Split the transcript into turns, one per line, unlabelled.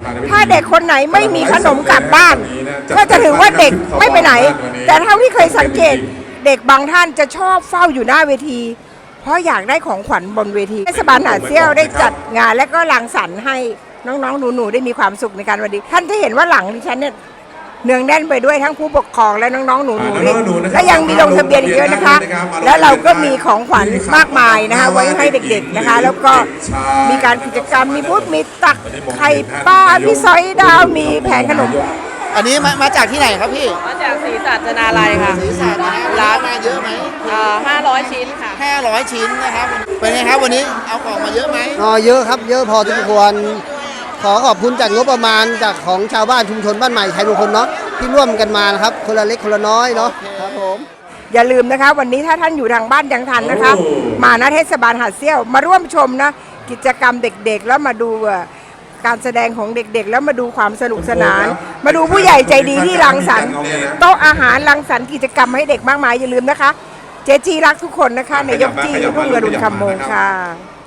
ถ้าเด็กคนไหนไม่มีขนมกลับบ้านก็จะถือว่าเด็กไม่ไปไหนแต่เท่าที่เคยสังเกตเด็กบางท่านจะชอบเฝ้าอยู่หน้าเวทีเพราะอยากได้ของขวัญบนเวทีเทศบาลหาดเซี่ยวได้จัดงานและก็รังสรรค์ให้น้องๆหนูๆได้มีความสุขในการวันนี้ท่านที่เห็นว่าหลังดิฉันเนี่ยเนืองแน่นไปด้วยทั้งผู้ปกครองและน้องๆหนูๆและยังมีลงทะเบียนอีกเยอะนะคะแล้วเราก็มีของขวัญมากมายนะคะไว้ให้เด็กๆนะคะแล้วก็มีการกิจกรรมมีบูธมีตักไข่ปลามีซอยดาวมีแผงขนม
อันนี้มาจากที่ไหนครับพี่
มาจากศรีสัชนาลัยค่ะ
ศรีสัชนะร้านมาเยอะไหม
500 ชิ้นค่ะ
500 ชิ้นนะครับเป็นไงครับวันนี้เอาของมาเยอะไหม
เยอะครับเยอะพอสมควรขอขอบคุณจากงบประมาณจากของชาวบ้านชุมชนบ้านใหม่ชัยมงคลเนาะที่ร่วมกันมานะครับคนละเล็กคนละน้อยเนาะครับผม
อย่าลืมนะคะวันนี้ถ้าท่านอยู่ทางบ้านยังทันนะคะมาณเทศบาลหาดเซี่ยวมาร่วมชมนะกิจกรรมเด็กๆแล้วมาดูการแสดงของเด็กๆแล้วมาดูความสนุกสนานมาดูผู้ใหญ่ใจดีที่รังสรรค์โต๊ะอาหารรังสรรค์กิจกรรมให้เด็กมากมายอย่าลืมนะคะเจจีรักทุกคนนะคะในยกจีรุ่งอรุณคำมงค่ะ